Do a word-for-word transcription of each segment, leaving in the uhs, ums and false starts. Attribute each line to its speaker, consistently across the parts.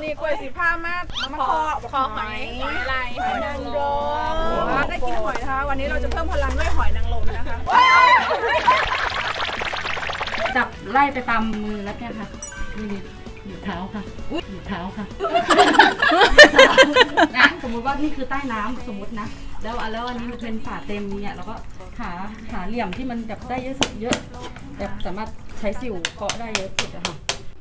Speaker 1: นี้กล้วยสีผ้ามากมาคอคอหอยหอยอะไรหอยนางรมได้กินหอยนะคะวันนี้เราจะเพิ่มพลังด้วยหอยนางรมนะคะ
Speaker 2: จับไล่ไปตามมือแล้วเนี่ยค่ะนี่หยุดเท้าค่ะหยุดเท้าค่ะนะสมมุติว่านี่คือใต้น้ำสมมตินะแล้วแล้วอันนี้มันเป็นฝาเต็มเนี่ยแล้วก็หาหาเหลี่ยมที่มันแบบได้เยอะสุดเยอะแบบสามารถใช้สิวเกาะได้เยอะสุดอะค่ะ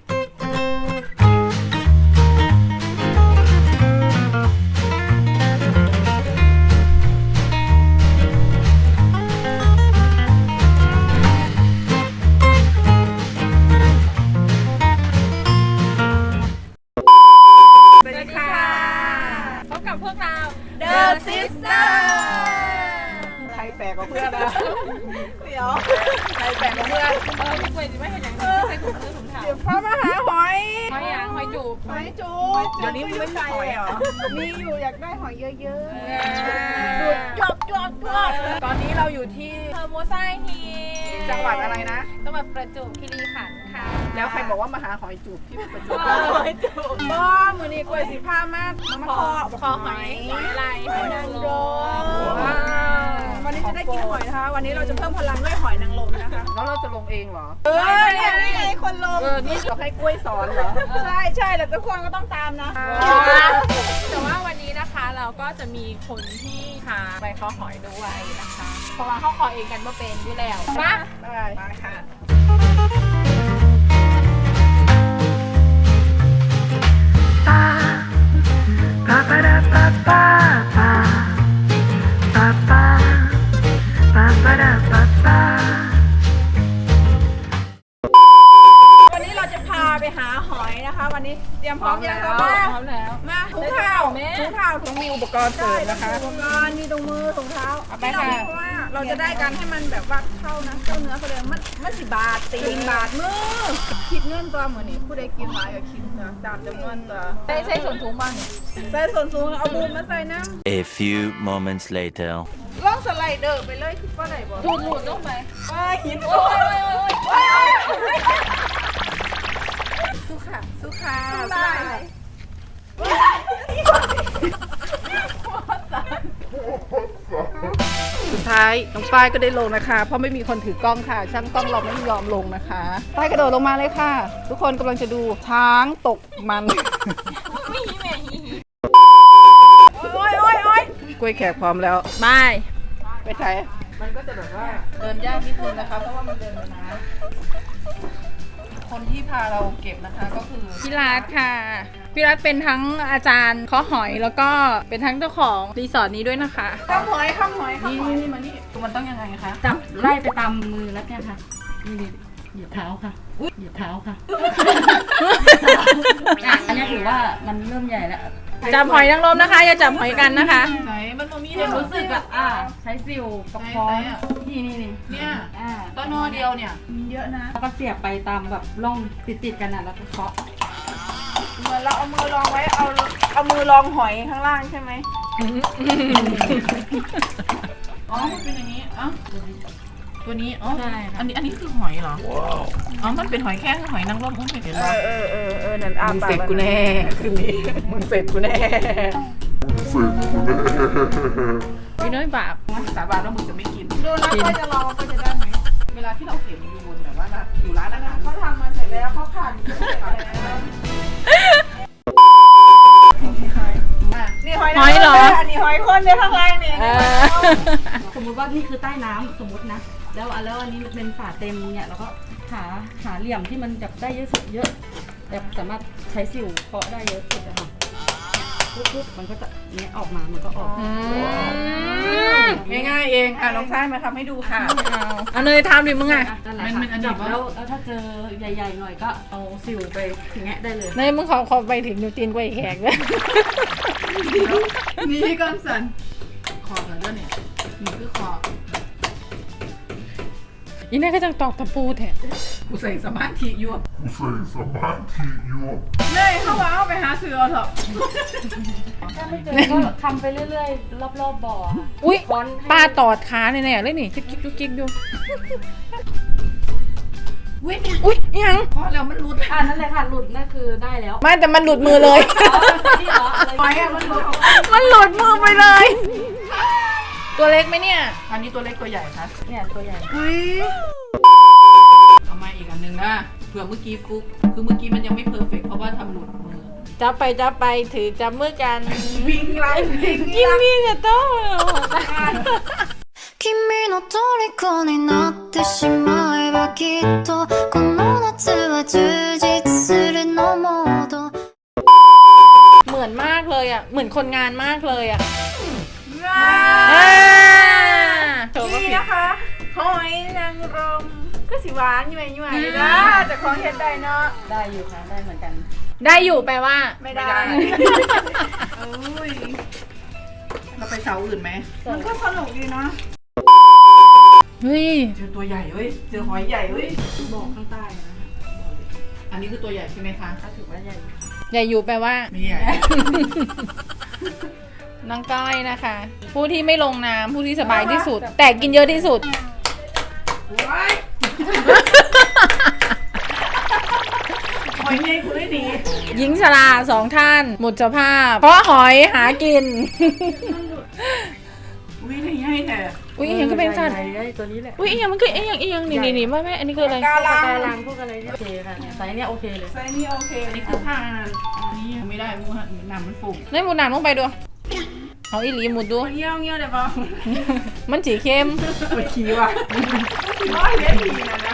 Speaker 1: The Sister ใครแปลกกว่าเพื่อนนะเดี๋ยวใครแปลกกว่าเพื่อน
Speaker 3: เออพี่กล้วยจะไม่เห็นอย่างนี้ใส่ถุงมือถุงเท้า
Speaker 1: เดี๋ยวพ่อมาหาหอย
Speaker 3: หอยยางหอยจูบ
Speaker 1: หอยจูบเดี๋ยวนี้ไม่ใช่หอยเหรอมีอยู่อยากได้หอยเยอะๆดูดจบจบจบตอนนี้เราอยู่ที่
Speaker 3: เทอร์โมไซฮี
Speaker 1: จังหวัดอะไรนะ
Speaker 3: จังหวัดประจวบคีรีขันธ์ค่ะ
Speaker 1: แล้วใครบอกว่ามาหาหอยจูบที่ประจวบหอยจูบก็มือนี้กล้วยสีผ้ามากมาคอ
Speaker 3: คอหอยหอยอะไร
Speaker 1: หอยนางรมวันนี้จะได้กินหอยนะคะวันนี้เราจะเพิ่มพลังด้วยหอยนางรมนะคะแล้วเราจะลงเองเหรอเออเนี่ยนี่ไงคนลงเออนี่เราให้กล้วยสอนเหรอใช่ใช่แต่ทุกคนก็ต้องตามนะ
Speaker 3: แต่ว่าวันนี้นะคะเราก็จะมีคนที่พาไปเคาะหอยด้วยนะคะเพราะว่าเขาเคาะเองกันมาเป็นอยู่แล้วมา
Speaker 1: ได้มาค่ะ
Speaker 4: Pa pa da pa pa pa pa pa pa pa da pa pa
Speaker 1: วันนี้เราจะพาไปหาหอยนะคะวันนี้เตรียมพร้อมยังคะมาพร้อมแล้วมาถุงเท้าถุงเท้าถุงมีอุปกรณ์เสริมนะคะอุปกรณ์มีตรงมือถุงเท้าเอาไปค่ะเพราะว่าเราจะได้การให้มันแบบว่าเข้านะเข้าเนื้อเขาเลยมันมันสิบาทตีนบาทมือคิดเงินตัวเหมือนนี้ผู้ใดกินหลายก็คิดนะตามจำนวนตัว
Speaker 3: ใช้ใช้ส่วนสูงบ้าง
Speaker 1: ใส่ส่วนสูงเอาบูมมาใส่น้
Speaker 5: A few moments later.
Speaker 1: ำล่องสไลเดอร์ไปเลยคิดว่าไหนบ่
Speaker 3: ดูดหมุนลงไป
Speaker 1: ว่าหิน
Speaker 3: โอ้ยโอ้ยโอ้ยโอ้ย
Speaker 1: สู้ค่ะสู้ค่ะสู้ค่ะสุดท้ายน้องฝ้ายก็ได้ลงนะคะ เพราะไม่มีคนถือกล้องค่ะ ช่างกล้องเราไม่ยอมลงนะคะฝ้ายกระโดดลงมาเลยค่ะ ทุกคนกำลังจะดูช้างตกมันโอ้ยโอ้ยโอ้ยกล้วยแขกพร้อมแล้ว
Speaker 3: บาย
Speaker 1: ไปใส่มันก็จะแบบว่าเดินยากนิดนึงนะคะเพราะว่ามันเดินในน้ำคนที่พาเราเก็บนะคะก็คือ
Speaker 3: พี่รัฐค่ะพี่รัฐเป็นทั้งอาจารย์เคาะหอยแล้วก็เป็นทั้งเจ้าของรีสอร์ทนี้ด้วยนะคะ
Speaker 1: ข้ามหอยข้ามหอยนี่นี่นี่มานี่มันต้องยังไงคะ
Speaker 2: จับไล่ไปตามมือแล้วเนี่ยค่ะนี่หยุดเท้าค่ะหยุดเท้าค่ะอ่ะอันนี้ถือว่ามันเริ่มใหญ่แล้ว
Speaker 3: จับหอยนางรมนะคะอย่าจับหอยกันนะคะ
Speaker 1: ไหนมันตรงนี้
Speaker 2: เดี๋ยวรู้สึกอะอ่ะใช้สิวกับค้อนนี่นี่นี่
Speaker 1: เนี่ย
Speaker 2: อ่า
Speaker 1: ต้นนอเดียวเนี่ยมีเยอะนะ
Speaker 2: แล้วก็เสียบไปตามแบบร่องติดติดๆกันนะแล้วก็เคาะ
Speaker 1: เหมือนเราเอามือรองไว้เอาเอามือรองหอยข้างล่างใช่ไหมอ๋อมันเป็นอย่างนี้อ๋อตัวนี้อ๋อ
Speaker 2: ใช่ค่ะ
Speaker 1: อันนี้อันนี้คือหอยเหรออ๋อมันเป็นหอยแค่หอยนางรมอุ้มเห็นไหมเออเออเออนั่นอามึงเสร็จกูแน่คืนนี้มึงเสร็จกูแน่
Speaker 3: พี่น้อยบาป
Speaker 1: สาบานว่ามึงจะไม่กินดูนะก็จะรอก็จะได้ไหมเวลาที่เราเห็นอยู่บนแบบว่าอยู่ร้านอาหารเขาทำมาเสร็จแล้วเขาผ่านอยู่เสร็จแล้วนี่หอย
Speaker 3: หอยเหรอ
Speaker 1: อันนี้หอยคนในข้างล่างนี่
Speaker 3: เออ
Speaker 2: สมมุติว่านี่คือใต้น้ำสมมตินะแล้วแล้วอันนี้มันเป็นฝาเต็มเนี่ยแล้วก็หาหาเหลี่ยมที่มันแบบได้เยอะสุดเยอะแบบสามารถใช้สิวเกาะได้เยอะสุดอะค่ะปุ๊บๆมันก็จะเนี้ยออกมามันก็ออก
Speaker 1: ง่ายๆเองอ่ะน้องชายมาทำให้ดูค่ะ
Speaker 3: เอาเนยทำดิมึงอ่ะ
Speaker 2: นั่นแหละค่ะจับแล้วแล้วถ้าเจอใหญ่ๆหน่อยก็เอาสิวไปแงะได้เลย
Speaker 3: เนยมึงขอขอไปถึงนิวตีนกล้วยแขกเลย
Speaker 1: นี่ก้อนสันคอกันด้วยเนี่ยนี่คือคอ
Speaker 3: อีนี่ก็จังตอกตะปูแทน
Speaker 1: กูใส่สมาธิอยู่
Speaker 4: Sei sabati io.
Speaker 1: เลยเข้ามาเอาไปหาเสือเถอะ
Speaker 2: ถ้าไม่เจอก็ทำไปเรื่อยๆ รอบๆบ่อค่ะ
Speaker 3: อุ้ย
Speaker 2: ค้อนให้
Speaker 3: ปลาตอดขาแน่ๆเลยนี่จิ๊กจิ๊กจิ๊กจิ๊กอยู่
Speaker 1: อุ้ยอุ้ยยังพอแล้วมันหลุด
Speaker 2: อ่านั่นเลยค่ะหลุดนั่นคือได้แล้ว
Speaker 1: ไม่แต่มันหลุดมือเลย
Speaker 2: นี่เหรออะไร
Speaker 1: หอยอะมันหลุดมันหลุดมือไปเลย ตัวเล็กไหมเนี่ยอันนี้ตัวเล็กตัวใหญ่คะ
Speaker 2: เนี่ยตัวใหญ่
Speaker 1: อุ้ยเอามาอีกอันหนึ่งนะเผื่อเมื่อกี้ฟุกคือเมื่อกี้มันยังไม่เพอร์เฟกต์เพราะว่าทำหลุดมือ
Speaker 3: จับไปจับไปถือจับมือกัน
Speaker 1: วิ่งไล่วิ่ง
Speaker 3: กินมีแต่โต้
Speaker 6: 君の虜になってしまえばきっとこの夏は充実するのモード
Speaker 3: เหมือนมากเลยอ่ะเหมือนคนงานมากเลยอ่ะ
Speaker 1: อ่า
Speaker 3: โชว์ก็
Speaker 1: นี่
Speaker 3: ผิด
Speaker 1: นะคะหอยนางรมก็สิหวานยี่ไหมยี่ไหมนะแต่ของเห็ดได้เนาะ
Speaker 2: ได้อยู่ค่ะได้เหมือนกัน
Speaker 3: ได้อยู่แปลว่า
Speaker 1: ไม่ได้เอ้ยเราไปเสาอื่นไหมมันก็สนุกดีเนาะ
Speaker 3: เฮ้ย
Speaker 1: เจอตัวใหญ่เว้ยเจอหอยใหญ่เว้ยบอกข้างใต้นะอันนี้คือตัวใหญ่ใช่ไหมคะ
Speaker 2: ก็ถือว่าใหญ่
Speaker 3: ใหญ่อยู่แปลว่า
Speaker 1: ไม่ใหญ่
Speaker 3: น้องก้อยนะคะ ผู้ที่ไม่ลงน้ำผู้ที่สบายที่สุด แต่กินเยอะที่สุด
Speaker 1: ว้ายหอยใหญ่คุณได้ดี
Speaker 3: หญิงชราสองท่านหมดสภาพ เพราะหอยหากิน
Speaker 1: อุ้ยใหญ่ใหญ่แท้
Speaker 3: อุ้ยอีหยังก็เป็นสัตว์
Speaker 2: ใหญ่ๆตัวนี้แหละ
Speaker 3: อุ้ยอีหยังมันคืออีหยังอีหยังนี่นี่นี่ไม่ไม่อันนี้คืออะไร
Speaker 1: กา
Speaker 2: ปลา
Speaker 1: ลัง
Speaker 2: ลังพวกอะไรเนี่ยโอเคค่ะเนี่ยไซส์เนี่ยโอเคเลย
Speaker 1: ไซส์นี้โอเคอันนี้คือผ้านั่นอันนี้ไม่ได้มูฮะหนามมันฝุ่ม
Speaker 3: นี่หมุดหนามลงไปดูเอาอีหลีหมุดดู
Speaker 1: เงี้ยวเงี้ยวเดี๋ยวป่ะ
Speaker 3: มันสีเข้ม
Speaker 1: ไปขี่ว่ะขี่น้อยเลยดีนะนะ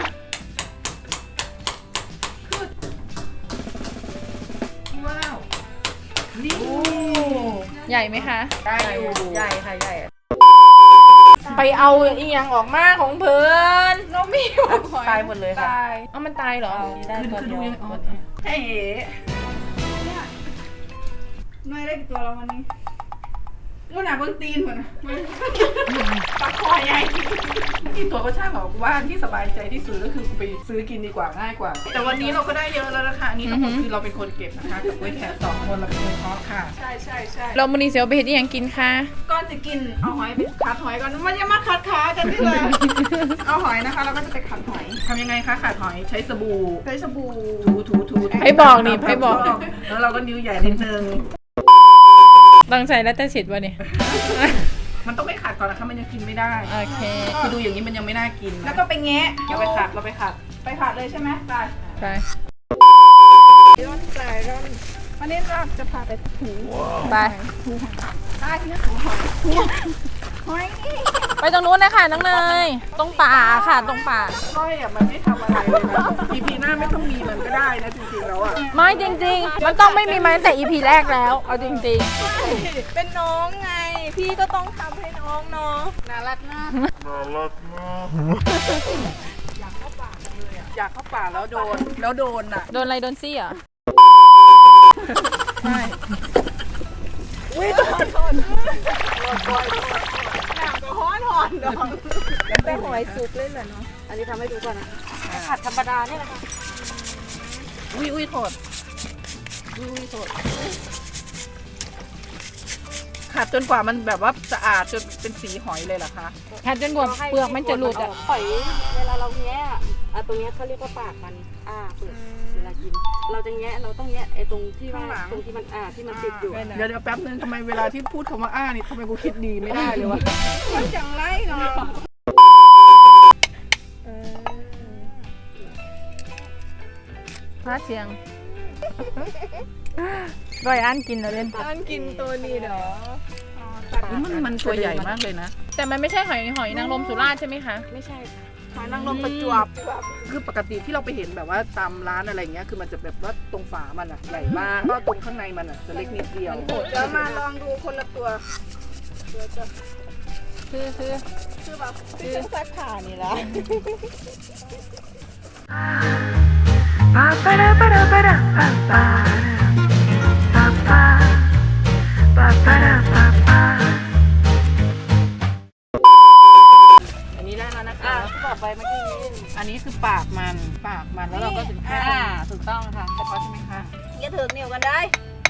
Speaker 1: ว้าวนี่
Speaker 3: ใหญ่ไหมคะ
Speaker 1: ได้อยู่
Speaker 2: ใหญ่ค่ะใหญ่
Speaker 3: ไปเอาอีหยังออกมาของเพื่อน
Speaker 1: น้องมีหอย
Speaker 2: ตายหมดเลยค่ะ
Speaker 1: ตาย
Speaker 3: เอามันตายเหรอ
Speaker 2: ได้
Speaker 1: คือ
Speaker 2: ตัว
Speaker 1: คือ
Speaker 2: เดี
Speaker 1: ดู
Speaker 2: ยว
Speaker 1: ยังอ๋อใช่เหเนี่ยน้อยได้กี่ตัวแล้ววันนี้ลูกหนาเบิ้งตีนเหมือนปลาคอใหญ่กี่ตัวก็ช่างบอกว่าที่สบายใจที่สุดก็คือไปซื้อกินดีกว่าง่ายกว่า แต่วันนี้เราก็ได้เยอะแล้วนะคะอันนี้ทั้งหมดคือเราเป็นคนเก็บนะคะกับกล้วยแขกสองคนเราเป็นคนเพาะค่ะใช่ใช่ใช่
Speaker 3: เรามูนีเซียวไปเห็นอีหยังกินคะ
Speaker 1: ก่อนจะกินเอาหอยไปขัดหอยก่อนมันจะมาขัดขากันที่เลย เอาหอยนะคะเราก็จะไปขัดหอยทำยังไงคะขัดหอยใช้สบู่ใช้สบู่ถูถูถู
Speaker 3: ให้บอกนี่ให้บอก
Speaker 1: แล้วเราก็นิ้วใหญ่นิดนึง
Speaker 3: ตั้งใจแล้วแต่สิทธิ์วะเนี่ย
Speaker 1: มันต้องไปขัดก่อนนะคะมันยังกินไม่ได้
Speaker 3: โอเค
Speaker 1: คือดูอย่างนี้มันยังไม่น่ากินแล้วก็ไปแงะเราไปขัดเราไปขัดไปขัดเลยใช่ไหมไป
Speaker 3: ไป
Speaker 1: ร่อนใส่ร่อนวันนี้เราจะพาไปถู
Speaker 3: ไป
Speaker 1: ใต้ที่ถูหอยหอยนี่
Speaker 3: ไปตรงนู้นนะคะน้องเนยตรงป่าค่ะตรงป่า
Speaker 1: ก้อยอ่ะมันไม่ทำอะไรเลยนะ อี พีหน้าไม่ต้องมีมันก็ได้นะจริงๆแล้วอ่ะ
Speaker 3: ไม่จริงๆ มันต้องไม่มีมาตั้งแต่ อี พี แรกแล้ว เอาจริง
Speaker 1: เป็นน้องไง พี่ก็ต้องทำให้น้องเนาะน่ารักมากอยากเข้าป่าเลยอ่ะอยากเข้าป่าแล้วโดนแล้วโดนอ่ะ
Speaker 3: ๆ โดนอะไรโดนซี่เหรอ
Speaker 1: ใช่อุ้ยโดนโดนโดนโดนหนักก็ฮ้อนหอนดองแล้วแต่หอยสุกเลยเหรอเนาะ
Speaker 2: อันนี้ทำให้ดูก่อนนะผัดธรรมดาเนี่ยแหละค่ะ
Speaker 1: อุ้ยอุ้ยโทษอุ้ยอุ้ยโทษขัดจนกว่ามันแบบว่าสะอาดจนเป็นสีหอยเลยเหรอคะ
Speaker 3: แค่จนกว่าเปลือกมันจะหลุดอ่ะ
Speaker 2: หอยเวลาเราแงะอ่ะอ่ะตรงเนี้ยเขาเรียกว่าปากมันอ้าเปิดเวลากิน เราจะแงะเราต้องแงะไอ้ตรงที่ว่าตรงที่มันอ่าที่มันติดอยู่อะ
Speaker 1: เดี๋ยวเดี๋ยวแป๊บนึงทำไมเวลาที่พูดคำว่าอ้านี่ทำไมกูคิดดีไม่ได้เลยวะมันจังไรเนาะ
Speaker 3: พาเสียงร้อยอันกินแล้วเล่น
Speaker 1: อันกินตัวนี้เหรอมันมันตัวใหญ่มากเลยนะ
Speaker 3: แต่มันไม่ใช่หอยหอยนางรมสุราษฎร์ใช่ไหมคะ
Speaker 2: ไม่ใช่
Speaker 1: หอยนางรมประจวบคือปกติที่เราไปเห็นแบบว่าตามร้านอะไรเงี้ยคือมันจะแบบว่าตรงฝามันอะใหญ่มากก็ตรงข้างในมันอะจะเล็กนิดเดียวเดี๋ยวมาลองดูคนละตัว
Speaker 3: คือคือ
Speaker 1: คือแบบคือซักผ้านี่แหละ
Speaker 4: Pa pa da pa da pa da pa pa pa pa pa pa da pa pa.
Speaker 1: อันนี้ได้แล้วนะคะ
Speaker 2: อ่าต่อไปเมื่อกี้นี้
Speaker 1: อันนี้คือปากมันปากมันแล้วเราก็ถึงแค่
Speaker 2: อ่าถูกต้องค่ะ
Speaker 1: กระเพาะใช่ไหมคะ
Speaker 2: อย่าถึงเหนียวกันได้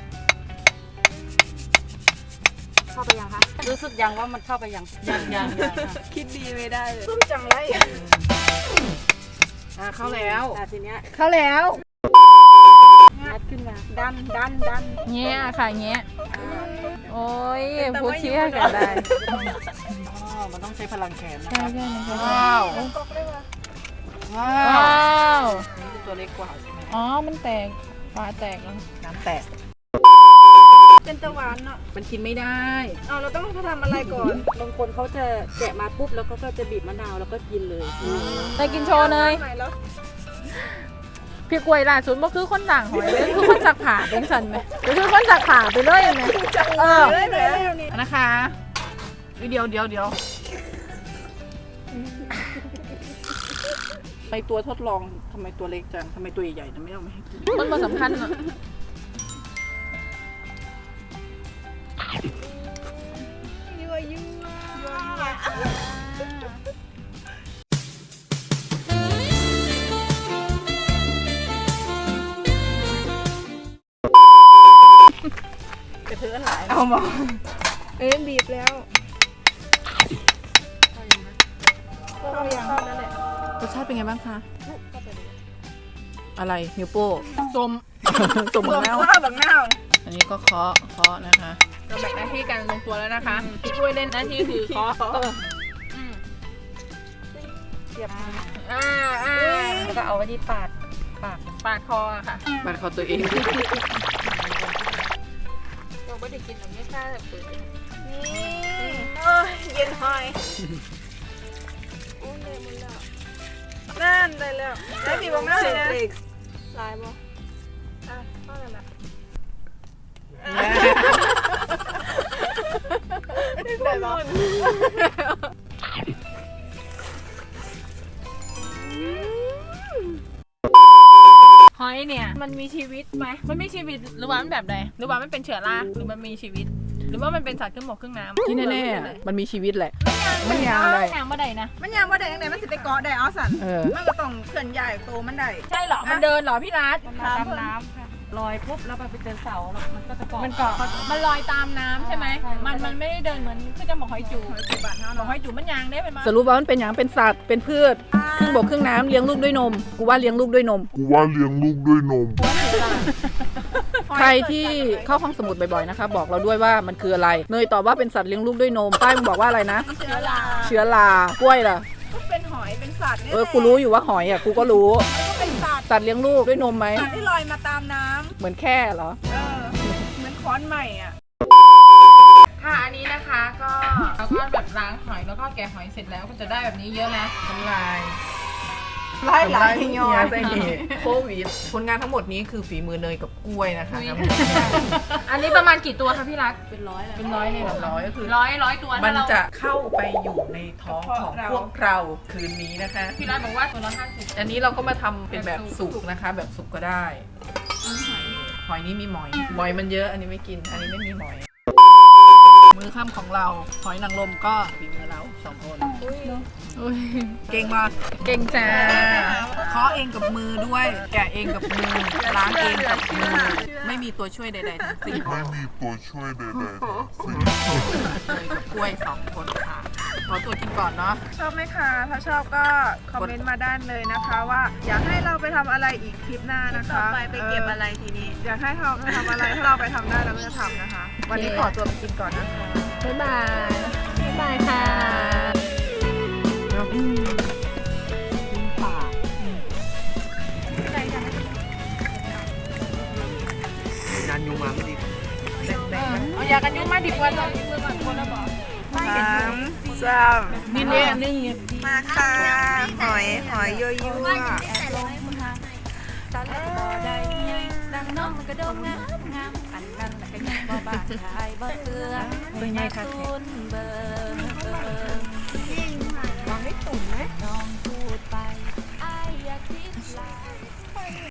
Speaker 2: เข้าไปยังคะ รู้สึกยังว่ามันเข้าไปยัง
Speaker 1: ยังยังยัง
Speaker 2: คิดดีไม่ได้เลย
Speaker 1: ส้มจังไรอ่าเข้าแล้ว
Speaker 2: แต่ทีเนี้ย
Speaker 1: เข้าแล้ว
Speaker 2: งัดขึ้นมา
Speaker 1: ดันดันดัน
Speaker 3: เงี้ยค่ะเงี้ยโอ้ยพูดเชี่ยกันได้
Speaker 2: อ๋อมันต้องใช้พลังแขนนะ
Speaker 3: ใช่ใช่ใช่
Speaker 1: ว้าวว้า
Speaker 3: ว้
Speaker 1: ว
Speaker 3: าว
Speaker 2: นี่คือตัวเล็กกว่าใช่ไหม
Speaker 3: อ๋อมันแตกฝาแตกแล้ว
Speaker 1: น้ำแตกเป็นตะวันเนาะมันกินไม่ได้
Speaker 2: เอาเราต้องทำอะไรก่อนบางคนเขาจะแกะมาปุ๊บแล้วก็จะบีบมะนาวแล้วก็กินเลย
Speaker 3: ได้กินโชว์เลย
Speaker 1: ไหนแล้ว
Speaker 3: พี่กล้วยล่าสุดบ่คือคนต่างหอยเลยคือคนสักผ่าเป็นสันไหมก็คือคนสักผ่าไปเลยไหมเออ
Speaker 1: เลยเลยนี่นะคะเดี๋ยวเดี๋ยวเดี๋ยวไปตัวทดลองทำไมตัวเล็กจังทำไมตัวใหญ่ๆนะไม่เอามาให้กิน
Speaker 3: มันมาสำคัญอ่ะ
Speaker 1: ยั่วยั่วยั่วกระเทือนหลายเอามาเอ้ยบีบแล้วก็ยังนั่นแหละรสชาติเป็นไงบ้างคะอะไรนิ้วโป้ส้มส้มบักนาวบักนาวอันนี้ก็เคาะเคาะนะคะ
Speaker 3: เราแบ่งหน้าที่กันลงตัวแล้วนะคะพี่กล้วยเล่นหน้าที่คือเคาะเอออืม
Speaker 2: เสียบมือ
Speaker 3: อ่าอ่า
Speaker 2: แล้วก็เอาไว้ที่ปากปาก
Speaker 3: ปาดคออะค่ะ
Speaker 1: บัดเขาตัวเอง
Speaker 3: เราก็จะกินแบบไม่กล้าแบบตื่น
Speaker 1: เอ้ยเย็นหอยนั่นได้แล้วได้บีบบักนาวเลยนะลายบ่อ่ะก็นั่นแหละได้บ่
Speaker 3: หอยเนี่ยมันมีชีวิตไหมมันมีชีวิตหรือว่ามันแบบใดหรือว่ามันเป็นเชื้อราหรือมันมีชีวิต หรือว่ามันเป็นสัตว์ครึ่งบกครึ่งน้ำ
Speaker 1: ที่แน่ๆมันมีชีวิตแหละ มันยางได้
Speaker 3: ยางมาได้นะ
Speaker 1: มันยางว่าได้ยังไงมันสิไปเกาะได้เอาสันมันก็ต้องเคลื่อนย้ายตัวมันได้
Speaker 3: ใช่เหรอมันเดินเหรอพี่รัฐ
Speaker 2: มันมาตามน้ำค่ะลอยปุ๊บแล้วไปเจอเสาแล้วมันก็จะเกาะ
Speaker 3: มันเกาะมันลอยตามน้ำใช่ไหม
Speaker 2: ใช่
Speaker 3: มันมันไม่ได้เดินเหมือนคือจะบอกหอยจูบบอกหอยจูบมันยางได้เป็นมา
Speaker 1: สรุปว่ามันเป็นอย่างเป็นสัตว์เป็นพืชครึ่งบกครึ่งน้ำเลี้ยงลูกด้วยนมกูว่าเลี้ยงลูกด้วยนม
Speaker 7: กูว่าเลี้ยงลูกด้วยนม
Speaker 1: ใครที่เข้าห้องสมุดบ่อยๆนะคะบอกเราด้วยว่ามันคืออะไรเนยตอบว่าเป็นสัตว์เลี้ยงลูกด้วยนมป้ายมึงบอกว่าอะไรนะ
Speaker 3: เชื้อรา
Speaker 1: เชื้อรากล้วยล่ะ
Speaker 8: ก็เป็นหอยเป็นสัตว์นี่
Speaker 1: เออกูรู้อยู่ว่าหอยอ่ะกูก็รู้
Speaker 8: ก็เป็นสัตว์
Speaker 1: สัตว์เลี้ยงลูกด้วยนมไหม
Speaker 8: สัตว์ที่ลอยมาตามน้ำ
Speaker 1: เหมือนแค่เหรอ
Speaker 8: เออเหมือนค้อนใหม่อ่ะ
Speaker 3: ค่ะอันนี้นะคะก็เราก็แบบล้างหอยแล้วก็แกะหอยเสร็จแล้วก็จะได้แบบนี้เยอะนะ
Speaker 1: ทำลาย
Speaker 8: ไล่หลายยอ
Speaker 1: ใจดีโควิดผลงานทั้งหมดนี้คือฝีมือเนยกับกล้วยนะคะ
Speaker 3: อันนี้ประมาณกี่ตัวคะพี่รัก
Speaker 2: เป็นร้อยแล้ว
Speaker 3: เป็นร้อยเลยเหรอ
Speaker 1: ร้อยก็คือ
Speaker 3: ร้อยร้อยตัว
Speaker 1: มัน
Speaker 3: ถ้าเรา
Speaker 1: จะเข้าไปอยู่ในท้องของพวกเราคืนนี้นะคะ
Speaker 3: พี่รักบอกว่าตัวละห้าสิบ
Speaker 1: อันนี้เราก็มาทำเป็นแบบสุกนะคะ แบบสุกก็ได้ หอยนี้มีหมอยหมอยมันเยอะ อันนี้ไม่กิน อันนี้ไม่มีหมอย มือค่ำของเรา หอยนางรมก็ฝีมือเราสองคนเก่งมาก
Speaker 3: เก่งจ้า
Speaker 1: เคาะเองกับมือด้วย แกะเองกับมือ ล้างเองกับมือ ไม่มีตัวช่วยใดๆทั้งสิ้น
Speaker 7: ไม่มีตัวช่วยใดๆทั้งสิ้น
Speaker 1: เลยกับกล้วยสองคนค่ะขอตัวกินก่อนเนาะ
Speaker 8: ชอบไหมคะ ถ้าชอบก็คอมเมนต์มาด้านเลยนะคะว่าอยากให้เราไปทำอะไรอีกคลิปหน้านะคะ
Speaker 2: ไปไปเก็บอะไรทีนี้
Speaker 8: อยากให้เราไปทำอะไรถ้าเราไปทำได้เราก็จะทำนะคะ วันนี้ขอตัวไปกินก่อนนะคะ
Speaker 3: บ๊ายบาย บ๊ายบายค่ะ
Speaker 1: นานยุงมาไม่ดี
Speaker 3: เอายากันยุงมาดิบวันเลยมือก่อนคนละบอก
Speaker 8: สามสาม
Speaker 3: นี่เนี่ยนึ่งเนี่ย
Speaker 8: มาค่ะ หอย หอยยั่วยั่ว
Speaker 6: ดังน้องมันก็โดงงามงามอันนั้นแหละก็ยังบ่บาดชายบ่เสือ
Speaker 1: เป็นไงคะ
Speaker 6: เบอร์